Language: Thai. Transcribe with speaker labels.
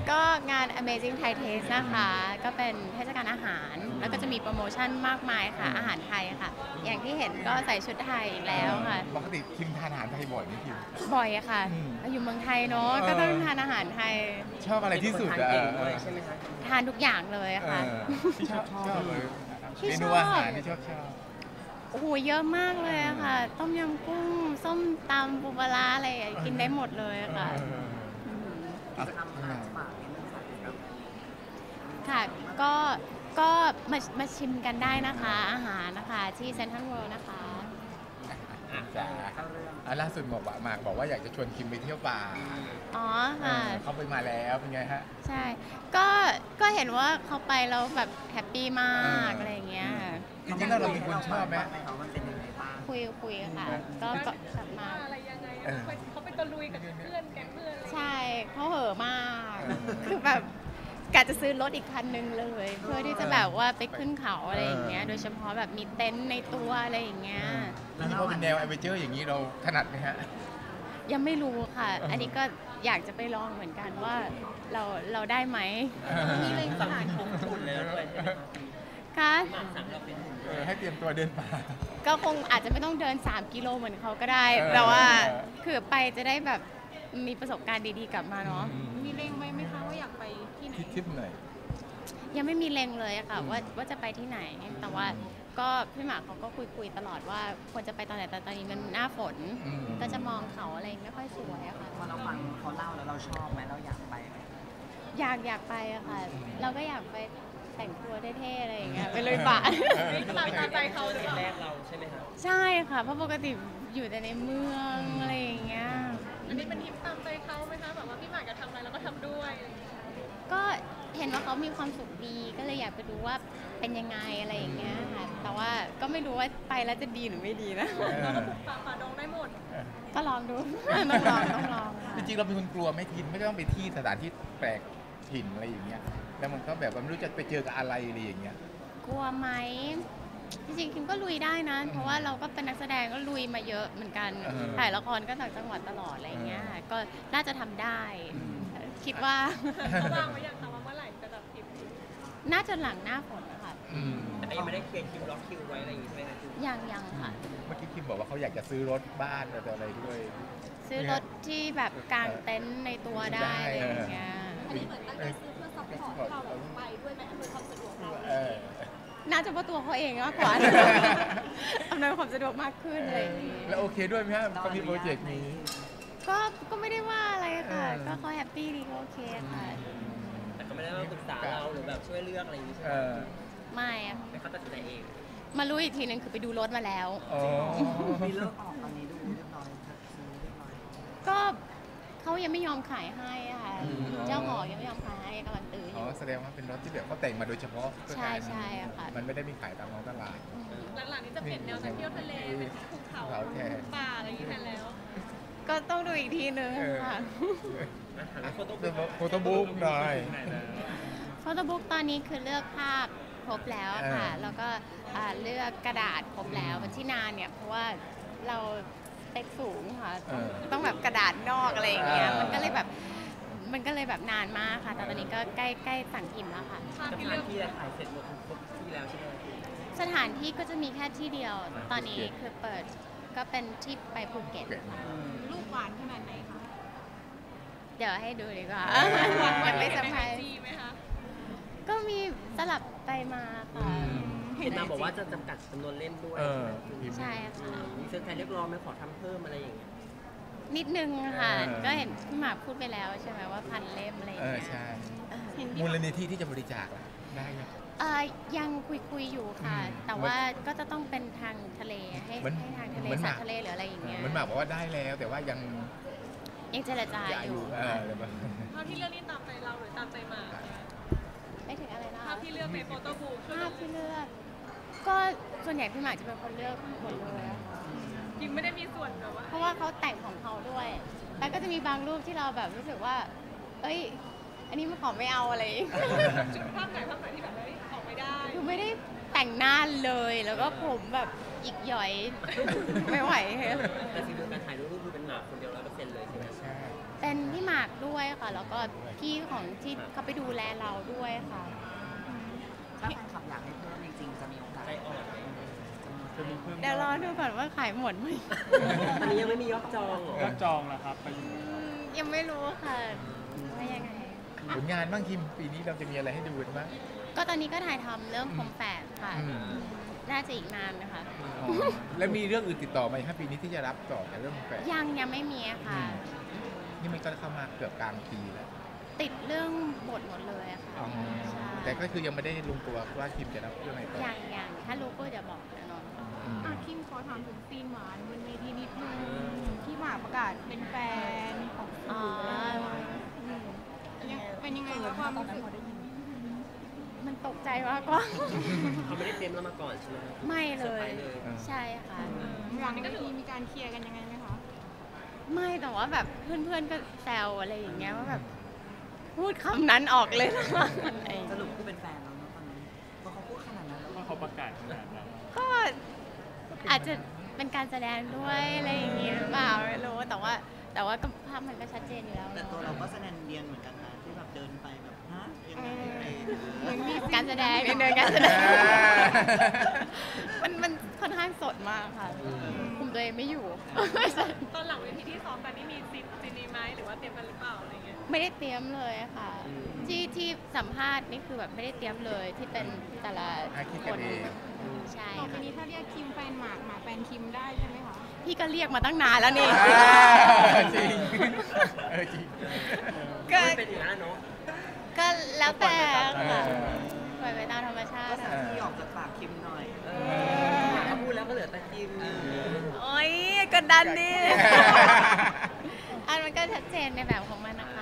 Speaker 1: ก็งาน Amazing Thai Taste นะคะก็เป็นเทศกาลอาหารแล้วก็จะมีโปรโมชั่นมากมายค่ะอาหารไทยค่ะอย่างที่เห็นก็ใส่ชุดไทยอีกแล้วค่ะ
Speaker 2: ปกติคิมทานอาหารไทยบ่อยไหมคิม
Speaker 1: บ่อยค่ะอยู่เมืองไทยเนาะก็ต้องทานอาหารไทย
Speaker 2: ชอบอะไรที่สุด
Speaker 3: ทานเก่งด้วยใช่ไหมคะ
Speaker 1: ทานทุกอย่างเลยค่ะ
Speaker 2: ที่ชอบเลยเมนูอาหารที่ชอบ
Speaker 1: โอ้โหเยอะมากเลยค่ะต้มยำกุ้งส้มตำปูปลาอะไรกินได้หมดเลยค่ะ
Speaker 3: กิจกรรมอาหารป่า
Speaker 1: ค่ะก็มาชิมกันได้นะคะอาหารนะคะที่เซ็นทรัลเวิลด์นะคะ
Speaker 2: จ้าล่าสุดบอกว่าอยากจะชวนคิมไปเที่ยวป่า
Speaker 1: อ๋อค่ะ
Speaker 2: เขาไปมาแล้วเป็นไงฮะ
Speaker 1: ใช่ก็เห็นว่าเขาไปแล้วแบบแฮปปี้มากอะไรอย่างเงี้ย
Speaker 2: จริงๆแล้วเราเป็นคนชอบไหม
Speaker 1: คุยค่ะก็กลับมา
Speaker 4: อะไรยังไงเขาไปตะลุยกับเพื่อนแก๊งเพื่อน
Speaker 1: ใช่เขาเห่อะมากคือแบบกะจะซื้อรถอีกคันนึงเลยเพื่อที่จะแบบว่าไปขึ้นเขาอะไรอย่างเงี้ยโดยเฉพาะแบบมีเต็นท์ในตัวอะไรอย่างเงี้ย
Speaker 2: นี่พอเป็นแนวแอดเวนเจอร์อย่างนี้เราถนัดไหมฮะ
Speaker 1: ยังไม่รู้ค่ะอันนี้ก็อยากจะไปลองเหมือนกันว่าเราได้ไหม
Speaker 3: นี่เลยสั่งเป็นหุ่นเลยด้วยใช่ไหม
Speaker 1: คะ
Speaker 2: ให้เตรียมตัวเดินป่า
Speaker 1: ก็คงอาจจะไม่ต้องเดิน3 กิโลเหมือนเขาก็ได้แต่ว่าคือไปจะได้แบบมีประสบการณ์ดีๆกลับมาเนาะ
Speaker 4: มีเล็งไว้ไหมคะว่าอยากไปที่ไหน
Speaker 2: ทิปไหน
Speaker 1: ยังไม่มีเล็งเลยค่ะว่าจะไปที่ไหนแต่ว่าก็พี่หมากเขาก็คุยตลอดว่าควรจะไปตอนไหนแต่ตอนนี้มันหน้าฝนก็จะมองเขาอะไรไม่ค่อยสวยอะค่ะ
Speaker 3: พอเราฟังเขาเล่าแล้วเราชอบไหมเราอยากไปไหม
Speaker 1: อยากไปอะค่ะเราก็อยากไปแต่งตัวเท่ๆอะไรอย่างเงี้ยไปเลยป่ะ
Speaker 4: ตามใจเขาหรือเปล่า
Speaker 3: แรกเราใช่ไหมคะ
Speaker 1: ใช่ค่ะเพราะปกติอยู่แต่ในเมืองอะไรอย่างเงี้ย
Speaker 4: อันนี้เป็นทริปตามใจเขาไหมคะแบบว่าพี่หมากจะทำอะไรแล้วก็ทำด้วย
Speaker 1: ก็เห็นว่าเขามีความสุขดีก็เลยอยากไปดูว่าเป็นยังไงอะไรอย่างเงี้ยค่ะแต่ว่าก็ไม่รู้ว่าไปแล้วจะดีหรือไม่ดีนะ
Speaker 4: ฝ่าดงได้หมด
Speaker 1: ก็ลองดูต้องลอง
Speaker 2: จริงๆเราเป็นคนกลัวไม่ทินไม่ต้องไปที่สถานที่แปลกถิ่นอะไรอย่างเงี้ยแล้วมันก็แบบไม่รู้จะไปเจอกับอะไรอย่างเงี้ย
Speaker 1: กลัวไหมจริงๆคิมก็ลุยได้นะเพราะว่าเราก็เป็นนักแสดงก็ลุยมาเยอะเหมือนกันถ่ายละครก็ต่างจังหวัดตลอดอะไรเงี้ยก็น่าจะทำได้คิดว่า
Speaker 4: เขาวางไว้อย่างแต่ว่าเมื่อไหร่จะแบบทิป
Speaker 1: น่าจะหลังหน้าฝนนะคะ
Speaker 3: แต่ยังไม่ได้เคลียร์คิวล็อกคิวไว้อะไรอย่างงี้ใช่ไหมคะ
Speaker 1: ยังค่ะ
Speaker 2: เมื่อกี้คิมบอกว่าเขาอยากจะซื้อรถบ้านอะไรด้วย
Speaker 1: ซื้อรถที่แบบกางเต็นท์ในตัวได้อะไรอย่างเงี้ย
Speaker 4: อันนี้เหมือนตั้งใจซื้อเพื่อซัพพอร์ตให้เราไปด้วยไหมอำนวยความสะดวกเรา
Speaker 1: น่าจะเพราะตัวเขาเองมากกว่าอำนวยความสะดวกมากขึ้นอะไรอย่างงี้
Speaker 2: แล้วโอเคด้วยไหมครับเขามีโปรเจกต์นี้
Speaker 1: ก็ไม่ได้ว่าอะไรค่ะก็เขาแฮปปี้ดีก็โอเคค่ะ
Speaker 3: แต่ก็ไม่ได้ว่าปรึกษาเราหรือแบบช่วยเลือกอะไรอย่างนี้ใช่ไหม
Speaker 1: ไม่
Speaker 3: ไม่เขาตัดสินใจเอง
Speaker 1: มารู้อีกทีนึงคือไปดูรถมาแล้ว
Speaker 3: มีเลิกออกตอนนี้ดูเรียบร้อยซื้อเรียบร้อย
Speaker 1: ก็เขายังไม่ยอมขายให้ค่ะเจ้าของยังไม่ยอมขายให้กำลังตื้ออยู่
Speaker 2: แสดงว่าเป็นรถที่แบบเขาแต่งมาโดยเฉพาะ
Speaker 1: ใช่ค่ะ
Speaker 2: มันไม่ได้มีขายตามท้องตลาด
Speaker 4: หลังๆนี้จะเปลี่ยนแนวจากเที่ยวทะเลเป็นภูเขาป่าอะไรอย่างนี้แทนแล้ว
Speaker 1: ก็ต้องดูอีกทีนึงค่ะ
Speaker 2: โฟโต้บุ๊กหน่อย
Speaker 1: โฟโต้บุ๊กตอนนี้คือเลือกภาพครบแล้วค่ะแล้วก็เลือกกระดาษครบแล้วที่นานเนี่ยเพราะว่าเราสเปคสูงค่ะต้องแบบกระดาษนอกอะไรอย่างเงี้ยมันก็เลยแบบนานมากค่ะแต่ตอนนี้ก็ใกล้สั่งพิมพ์แล้วค่ะ
Speaker 3: สถานที่ถ่ายเสร็จหมดครบที่แล้วใช่ไหม
Speaker 1: สถานที่ก็จะมีแค่ที่เดียวตอนนี้คือเปิดก็เป็นที่ไปภูเก็ต
Speaker 4: ลูกหวานขนาดไหนคะ
Speaker 1: เดี๋ยวให้ดูดีกว่ายังไม่สบายก็มีสลับไปมาค่ะ
Speaker 3: เห็นมาบอกว่าจะจำกัดจำนวนเล่มด้วย
Speaker 1: ใช่ค่ะ
Speaker 3: มีเซอร์ไพรส์เรียกร้องไหมขอทำเพิ่มอะไรอย่างเงี้ย
Speaker 1: นิดนึงค่ะก็เห็นพี่หมากพูดไปแล้วใช่ไหมว่า1,000 เล่มอะไรอย่างเงี้ย
Speaker 2: ใช่มูลนิธิที่จะบริจาคได้
Speaker 1: ยังคุยอยู่ค่ะแต่ว่าก็จะต้องเป็นทางทะเลให้ทางทะเลสัตว์ทะเลหรืออะไรอย่างเงี้ย
Speaker 2: มันหมากบอกว่าได้แล้วแต่ว่ายัง
Speaker 1: เจรจาอยู่
Speaker 4: ภาพที่เลือกนี่ตามใจเราหรือตามใจหมาก
Speaker 1: ไม่ถึงอะไรนะ
Speaker 4: ภาพที่เลือกในโฟโต้บุ๊ก
Speaker 1: ภาพที่เลือกก็ส่วนใหญ่พี่หมากจะเป็นคนเลือกหมดเลย
Speaker 4: จริงไม่ได้มีส่วนแบบว่า
Speaker 1: เพราะว่าเขาแต่งของเขาด้วยแล้วก็จะมีบางรูปที่เราแบบรู้สึกว่าเอ้ยอันนี้มันขอไม่เอาอะไร
Speaker 4: ภาพไหนที่แบบออกไม่ได้
Speaker 1: คือไม่ได้แต่งหน้าเลยแล้วก็ผมแบบอีกหย่อยไม่ไหว
Speaker 3: แต่สิ่งที่การถ่ายรูปคือเป็นหมากคนเดียว100%เลยใช่ไหมใช่
Speaker 1: เป็นพี่หมากด้วยค่ะ แล้วก็พี่ของที่เขาไปดูแลเราด้วยค่ะ
Speaker 3: ถ้าแฟนคลับอยากให้เพิ่มจริงๆจะมีโอกาส
Speaker 5: ใจอ่อนไหมจะมีเพิ่ม
Speaker 1: เดี๋ยวรอดูก่อนว่าขายหมดไหม
Speaker 5: อันนี้ยังไม่มียอดจองเหรอ
Speaker 6: ก็จองแล้วครับ
Speaker 1: ยังไม่รู้ค่ะว่ายังไง
Speaker 2: ผลงานบ้างคิมปีนี้เราจะมีอะไรให้ดูกันบ้าง
Speaker 1: ก็ตอนนี้ก็ถ่ายทำเรื่องคมแฝดค่ะ
Speaker 2: อืม
Speaker 1: น่าจะอีกนานนะคะ
Speaker 2: อ๋อแล้วมีเรื่องอื่นติดต่อมาอีกครับปีนี้ที่จะรับต่อจากเรื่องแฟน
Speaker 1: ยังไม่มีอะค่ะ
Speaker 2: นี่มันก็เข้ามาเกือบกลางปีแล้ว
Speaker 1: ติดเรื่องบทหมดเลยอะค่ะ
Speaker 2: อ๋อ
Speaker 1: ใช่
Speaker 2: แต่ก็คือยังไม่ได้ลงตัวว่าคิมจะรับเรื่องไหนต่อ
Speaker 1: ยังถ้ารู้ก็จะบอกแน่นอน
Speaker 2: อืม
Speaker 4: คิมขอถามถึงซีนหวานบนเวทีนิดนึงที่หมากประกาศเป็นแฟนของ
Speaker 1: อ๋อ
Speaker 4: เป็นยังไงคะความรู้สึก
Speaker 1: มันตกใจมากกว่า
Speaker 5: เขาไม่ได้เตรียมเรามาก่อนใช่ไหม
Speaker 1: ไม่เล
Speaker 5: เซอร์ไพร
Speaker 1: ย
Speaker 5: ส์เลย
Speaker 1: ใช่ค่ะ
Speaker 4: หลังก็มีการเคลียร์กันยังไงไหมคะ
Speaker 1: ไม่แต่ว่าแบบเพื่อนๆก็แซวอะไรอย่างเงี้ยว่าแบบพูดคำนั้นออกเลยนะอะไรอย่าง
Speaker 3: ส
Speaker 1: เงี้ย
Speaker 3: รุปคือเป็นแฟนแล้วเนอะตอนนี้เพราะเขาพูดขนาดนั้นแล้ว
Speaker 6: ว่าเขาประกาศขนาดนั้น
Speaker 1: ก็อาจจะเป็นการแสดงด้วยอะไรอย่างเงี้ยหรือเปล่าไม่รู้แต่ว่าก็ภาพมันก็ชัดเจนอยู่แล้ว
Speaker 3: แต่
Speaker 1: เน
Speaker 3: ตัว
Speaker 1: อะ
Speaker 3: เราก็แสดงเรียนเหมือนกันนะที่แบบเดินไปแบบฮะยังไงอะไร
Speaker 1: เหมือนมีการแสดงนิดนึงการแสดงมันค่อนข้างสดมากค่ะคุมตัวเองไม่อยู่
Speaker 4: ตอนหลังเวทีที่ซ้อมกันนี่มีซีนนี้ไหมหรือว่าเตรียมกันหรือเปล่าอะไรเงี้ย
Speaker 1: ไม่ได้เตรียมเลยอะค่ะ ที่สัมภาษณ์นี่คือแบบไม่ได้เตรียมเลยที่เป็นแต่ละ
Speaker 2: คิด
Speaker 1: ค
Speaker 2: กัน
Speaker 1: น
Speaker 2: เอง
Speaker 1: ใช่
Speaker 4: ต่อไป
Speaker 1: ค่ะ
Speaker 4: นี้ถ้าเรียกคิมแฟนหมากหมากแฟนคิมได้ใช่ไหมคะ
Speaker 1: พี่ก็เรียกมาตั้งนานแล้วนี่
Speaker 2: จริงจริง
Speaker 1: ก็
Speaker 5: มันเป็นอย่างนั้นเนาะ
Speaker 1: ก็แล้วแต่ค่ะ
Speaker 2: เออ
Speaker 1: ปล่อยไปตามธรรมชา
Speaker 3: ก็
Speaker 1: ติ
Speaker 3: สัก
Speaker 1: ค่ะ
Speaker 3: ที่ออกจากปากคิมหน่อย
Speaker 5: เขาพูดแล้วก็เหลือแต่คิม
Speaker 1: โอ๊ยกดดันดิ อันมันก็ชัดเจนในแบบของมันนะคะ